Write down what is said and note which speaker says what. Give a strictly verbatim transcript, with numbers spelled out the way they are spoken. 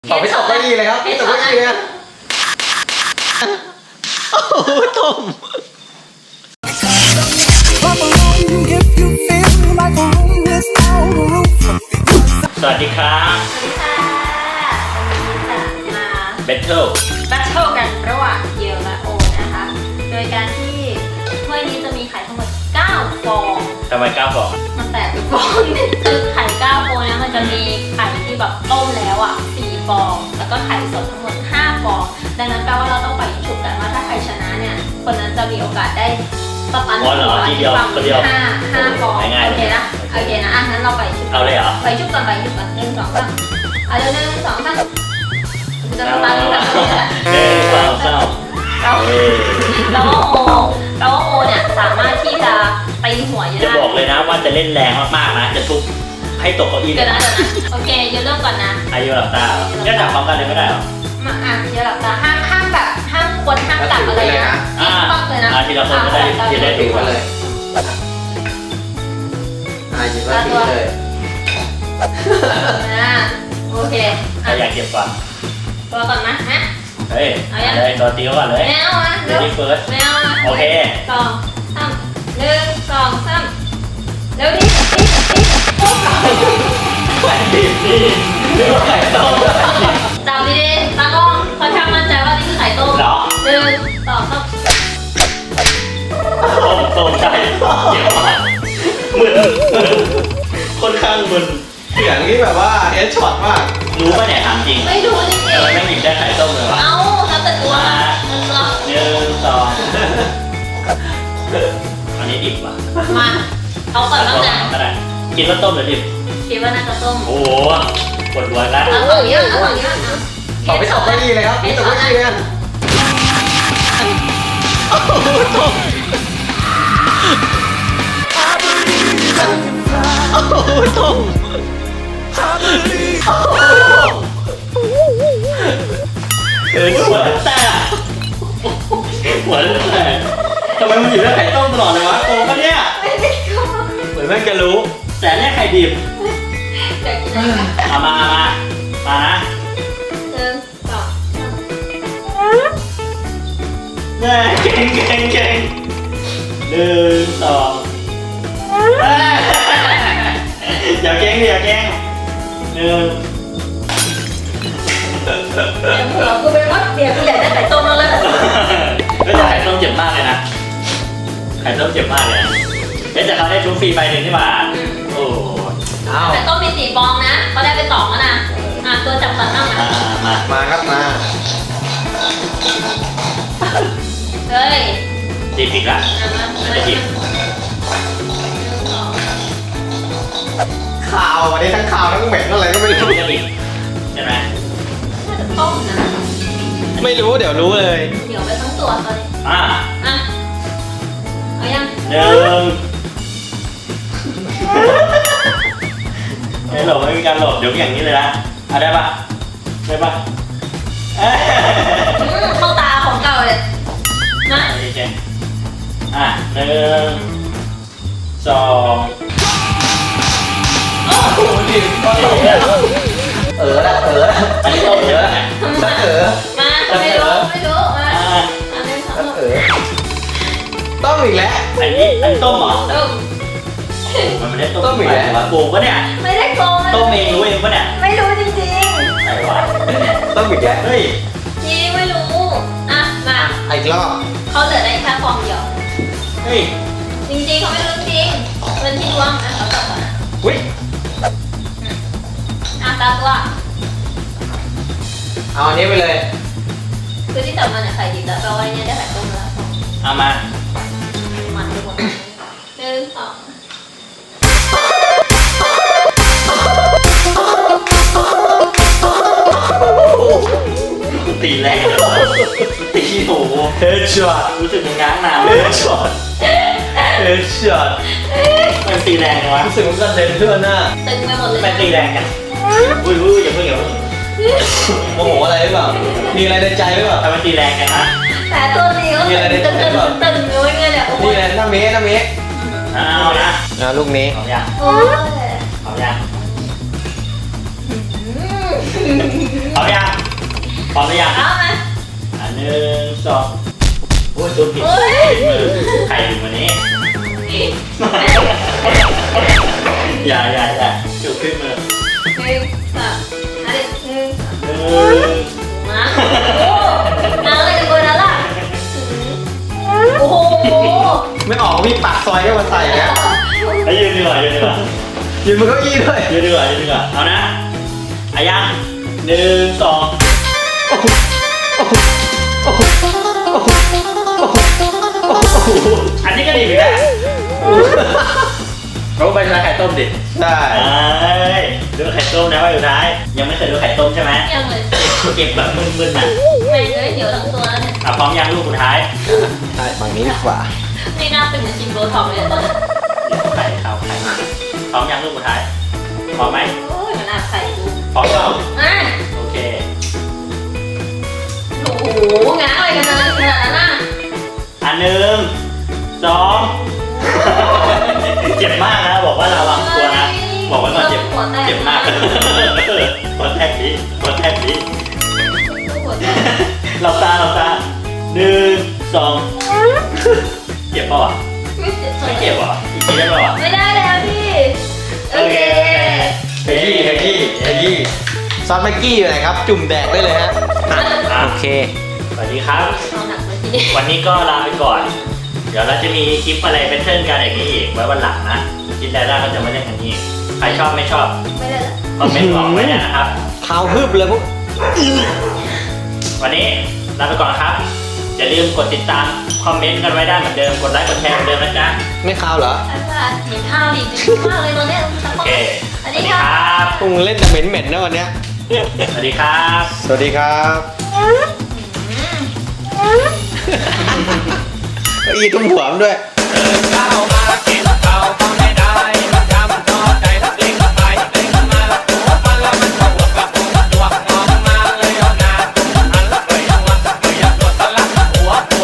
Speaker 1: ตอบไม่ตอบไม่ดีเลยครับไม่ตอบไม่ดีเลยโอ้โหต้ม
Speaker 2: สวัสดีครับ
Speaker 3: สวัสดีค่ะวันนี้จะมา
Speaker 2: Battle
Speaker 3: แบทเทิลกันระหว่างเยลและโอนะคะ โดยการที่ถ้วยนี้จะมีไข่ทั้งหมดเก้าฟอง
Speaker 2: ทำไมก้าวฟอง
Speaker 3: มันแตกเป็นฟองนึงคือไข่เก้าฟองนะมันจะมีไข่ที่แบบต้มแล้วอ่ะสี่ฟอง แล้วก็ไข่สดทั้งหมดห้าฟอง ดังนั้นแปลว่าเราต้องไปฉุกกันว่าถ้าใครชนะเนี่ยคนนั้นจะมีโอกาสได้สปันหัวที่ฟังห้าห้าฟองโอเคนะโอเคนะอ่ะงั้นเราไปฉุก
Speaker 2: เอาเลยเหรอ
Speaker 3: ไปฉุกกันไปฉุกกันหนึ่งสองสามเอาเร็วหนึ่งสองสามจะสปันแบบนี้แหละ
Speaker 2: เอ้ยเศร้าเศร้า
Speaker 3: เรา
Speaker 2: เอ้ย
Speaker 3: เราว่าโอเราว่าโอเนี่ยสามารถที่จะตีหัวเยอะ
Speaker 2: จะ
Speaker 3: ได้
Speaker 2: บอกเลยนะว่าจะเล่นแรงมากๆนะจะทุบให้ตกเก้าอี้
Speaker 3: เดี๋ยวนะเดี๋ยวนะโอเคเดี๋ยวเริ่มก่อนนะ
Speaker 2: อายุหลับตาเหรอก็จับพร้อมกันเลยไม่ได้เหรอ
Speaker 3: มาอ่ะเดี๋ยวหลับตาห้ามห้ามแบบห้ามคนห้ามจับอะไรนะ
Speaker 2: อ่า
Speaker 3: ต้องเลยนะ
Speaker 2: อ่าทีละคนจะได้จะได้
Speaker 1: ถือมาเลยอ่าหยิบมาถือเลย
Speaker 3: อ่าโอเค
Speaker 2: ใครอยากเก็บก่อน
Speaker 3: ตัวก่อนนะฮะ
Speaker 2: เฮ้ย
Speaker 3: เอายัง
Speaker 2: เลยตัวตีก่อนเลย
Speaker 3: แมวอ่ะ
Speaker 2: เดี๋ยวที่เฟิร์ส
Speaker 3: แมวอ่ะ
Speaker 2: โอเค
Speaker 3: สองสามหนึ่งสองสามเร็วดิดิดิโอ้ย
Speaker 2: ไข่ดิบนี่เรียกว่าไข่ต้ม
Speaker 3: จับดีๆตากล้องค่อนข้างมั่นใจว่านี่คือไข่ต้ม
Speaker 2: เหรอ
Speaker 3: หนึ่งสองสาม
Speaker 2: ต้มต้มใช่เจ็บมากมึนมึนค่อนข้างมึน
Speaker 1: เสียงที่แบบว่าเฮดช็อตมาก
Speaker 2: รู้ป่ะเนี่ยถามจริง
Speaker 3: ไม่รู้จริง
Speaker 2: เออไม่หยิบได้ไข่ต้มเลยวะ
Speaker 3: ๆเอาแล้วแต่ตัวนะหนึ่งสอง
Speaker 2: หนึ่งสองอันนี้ดิบว่ะ
Speaker 3: มาเอาก่อนบ้างนะ
Speaker 2: ก็ได้คิดว่าต้มหรือดิบ
Speaker 3: คิดว่าน่าจะต้ม
Speaker 2: โอ้โหปวดหัวแล้ว
Speaker 3: เอาฝั่งนี้เอาฝั่งนี้เอา
Speaker 1: ตอบไม่ตอบไม่ดีเลยครับไม่ตอบไม่ดีเลยโอ้โหต้มโอ้โหต้ม
Speaker 2: เออหัวแต่หัวแต่ทำไมมันอยู่ได้ไข่ต้มตลอดเลยวะโกงปะเนี่ย
Speaker 3: ไม่ได้ก็
Speaker 2: เหมือนแม่งจะรู้ แต่เนี่ยไข่ดิบ
Speaker 3: อยากกินอะไรกัน
Speaker 2: เอามาเอามามานะ
Speaker 3: หนึ่งสอง
Speaker 2: เนี่ยเก่งเก่งเก่งหนึ่งสองอย่าเก่งดิอย่าเก่งหนึ่ง
Speaker 3: เดี๋ยวหัวกูเป็นว่าเดี๋ยวกูอยากได้ไข่ต้มแล้วเลย
Speaker 2: ก็จะไข่ต้มเจ็บมากเลยนะไข่ต้มเจ็บมากเลยนะเอ๊ะแต่เขาได้ชุบฟรีใบหนึ่งที่มาโอ้
Speaker 1: อ้าว
Speaker 3: ไข่ต้มมีสี่ฟองนะเขาได้ไปสองแล้วนะอ่ะตัวจับก่อนบ้าง
Speaker 2: มา
Speaker 3: นะ
Speaker 2: มา
Speaker 1: มาครับมา
Speaker 3: เฮ้ย
Speaker 2: ดิบอีกละ
Speaker 3: อ่ะมา
Speaker 2: น่าจะดิบ
Speaker 1: ข่าววันนี้ทั้งข่าวทั้งเหม็นอะไรก็ไม่รู้
Speaker 2: จะดิบใช่ไหม
Speaker 3: น่าจะต้มนะ
Speaker 1: ไม่รู้เดี๋ยวรู้เลย
Speaker 3: เดี๋ยวไปทั้งตัวตอนนี้
Speaker 2: อ่า
Speaker 3: อ่ะเอายัง
Speaker 2: หนึ่งไม่หลบไม่มีการหลบเดี๋ยวอย่างนี้เลยนะอ่ะได้ปะได้ปะเอ้ย
Speaker 3: อืมเข้าตาของเก่าเลยมา
Speaker 2: โอเคอ่ะหนึ่งสอง
Speaker 3: โอ้โห
Speaker 1: ดิเออละเออละ
Speaker 2: อันนี้ต้มเยอะนะ
Speaker 1: สักเออ
Speaker 3: มาไม่รู้ไม่รู้มา
Speaker 2: อ่า
Speaker 3: อันนี้สอง
Speaker 1: สักเออต้มอีกแล้ว
Speaker 2: อันนี้อันนี้ต้มเหรอ
Speaker 3: ต้ม
Speaker 2: มันไม่ได้ต้ม
Speaker 1: ต้มอีกแล้ว
Speaker 2: วะโกงปะเนี่ย
Speaker 3: ไม่ได้โกง
Speaker 2: ต้มเองรู้เองปะเนี่ย
Speaker 3: ไม่รู้จริง
Speaker 2: ไหนวะ
Speaker 1: ต้มอีกแล้ว
Speaker 2: เฮ้ย
Speaker 3: ๆจริงไม่รู้อ่ะมา
Speaker 1: อีกรอบ
Speaker 3: เขาเหลือได้แค่ฟองเดียว
Speaker 2: เฮ้ย
Speaker 3: จริงๆเขาไม่รู้จริงเป็นที่ดวงอ่ะเขาตอบก่อนนะ
Speaker 1: อุ้ย
Speaker 3: อ่ะตาตัว
Speaker 1: เอาอันนี้ไปเลย
Speaker 3: คือที่จับมาเนี่ยไข่ดิบแล้วแปลว่าเนี่ยได้ไข่ต้มแล้ว
Speaker 2: เอามา
Speaker 3: มันไปหมดหนึ่งสอง
Speaker 2: ตีแรงเลยวะตีโอ้โห
Speaker 1: เฮดช็อต
Speaker 2: รู้สึกมันง้างนาน
Speaker 1: เฮดช็อตเฮดช็อต
Speaker 2: มันตีแรงเลยวะ
Speaker 1: รู้สึกมันกระเด็นเพื่อนหน้า
Speaker 3: ตึงไปหมดเลย
Speaker 2: มันตีแรงกันอุ้ยอุ้ยอย่าเพิ่งอย่าเพิ่ง
Speaker 1: โมโหอะไรหรือเปล่ามีอะไรในใจหรือเปล่า
Speaker 2: ทำไมตีแรงกันนะ
Speaker 3: แต่ตัวนี้ก็ตึงตึงตึงตึงอยู่ไงเนี่ยโอ้
Speaker 1: นี่
Speaker 3: ย
Speaker 1: แหละน้าเมน้าเม
Speaker 2: เอานะ
Speaker 1: อ่าลูกนี้
Speaker 2: เอายัง
Speaker 3: โอ้ย
Speaker 2: เอายัง
Speaker 3: อืม
Speaker 2: พร้อมยังพร้อมหรือยัง
Speaker 3: เอาไหม
Speaker 2: อันหนึ่งสองโอ้ยตัวผิด
Speaker 3: เฮ้ย
Speaker 2: มือใครอยู่วันนี้ อย่าอย่าอย่าจุกขึ้นมือ
Speaker 3: หนึ่งสองอันนี้หนึ่ง
Speaker 2: หนึ่ง
Speaker 3: มาโอ้น้าเลยจะเบอร์นั้นล่ะโอ้โห
Speaker 1: ไม่ออกมีปากซอยก็มาใส่นะ
Speaker 2: ไปยืนดีกว่ายืนดีกว่า
Speaker 1: ยืนบนเก้าอี้ด้วย
Speaker 2: ยืนดีกว่ายืนดีกว่าเอานะอายังหนึ่งสองอันนี้ก็ดีเหมือนกันเราไปทานไข่ต้มดิ
Speaker 1: ใช่
Speaker 2: เอ้ยดูไข่ต้มนะว่าอยู่ท้ายยังไม่เคยดูไข่ต้มใช่ไหม
Speaker 3: ยังเลย
Speaker 2: เก็บแบบมึนๆน่ะ
Speaker 3: ไม่เลยเดี๋ยวทั้งตัวแล้วเนี่ย
Speaker 2: อ่ะพร้อมยังลูกสุดท้าย
Speaker 1: ใช่ฝั่งนี้ดีกว่า
Speaker 3: นี่หน้าเป็นเหมือนชิมโบท็อกเลยตอนนี้
Speaker 2: ไข่ข้าวไข่พร้อมยังลูกสุดท้ายพร้อมไหม
Speaker 3: โอ้ยมันอาใส่ดู
Speaker 2: พร้อมแล้ว
Speaker 3: อ่ะ
Speaker 2: โอเค
Speaker 3: โอ้โหงานอะไรกันนะขนาดนั้นน่ะ
Speaker 2: อันหนึ่งสองเจ็บมากนะบอกว่าระวังตัวนะบอกไว้ก่อนเจ็บเจ็บมากหัวแทกนี้หัวแทกนี้หลับตาหลับตาหนึ่งสองเจ็บป่าวะไม่เจ็บวะอีกทีได้ป่าวะ
Speaker 3: ไม่ได้แล้วพี่โอเค
Speaker 1: เฮยี่เฮยี่เฮยี่ซอสแม็กกี้อยู่ไหนครับ จุ่มแดกได้เลยฮะ
Speaker 2: อ่ะ
Speaker 1: โอเค
Speaker 2: สวัสดีครับ
Speaker 3: เอาหนักไปทีนี้
Speaker 2: วันนี้ก็ลาไปก่อน เดี๋ยวเราจะมีคลิปอะไรเป็นเทิร์นกันอย่างนี้อีกไว้วันหลังนะคิดได้แล้วก็จะมาเล่นกันนี้ใครชอบไม่ชอบ
Speaker 3: ไม่ได้ละ
Speaker 2: คอมเมนต์บอกไว้ด้วยนะครับ
Speaker 1: เท้าฮึบเลยพวก
Speaker 2: วันนี้ลาไปก่อนครับ อย่าลืมกดติดตามคอมเมนต์กันไว้ได้เหมือนเดิม กดไลค์กดแชร์เหมือนเดิมนะจ๊ะ
Speaker 1: ไม่คาวเหรอ
Speaker 3: อาจารย์เห็นข้าวดีจริงมากเลยตอนเนี้ยสัก
Speaker 2: โอ
Speaker 3: คน
Speaker 2: เค
Speaker 3: อัน
Speaker 2: สวั
Speaker 3: นี้
Speaker 2: สดี
Speaker 3: ค่ะ
Speaker 2: ครับ
Speaker 1: พวกมึงเล่นแต่เหม็นๆนะวันเนี้ย
Speaker 2: สวัสดีครับ
Speaker 1: สวัสดีครับ
Speaker 3: อืม
Speaker 1: เก้าอี้ตุ้มหัวมันด้วย
Speaker 2: เก้ามา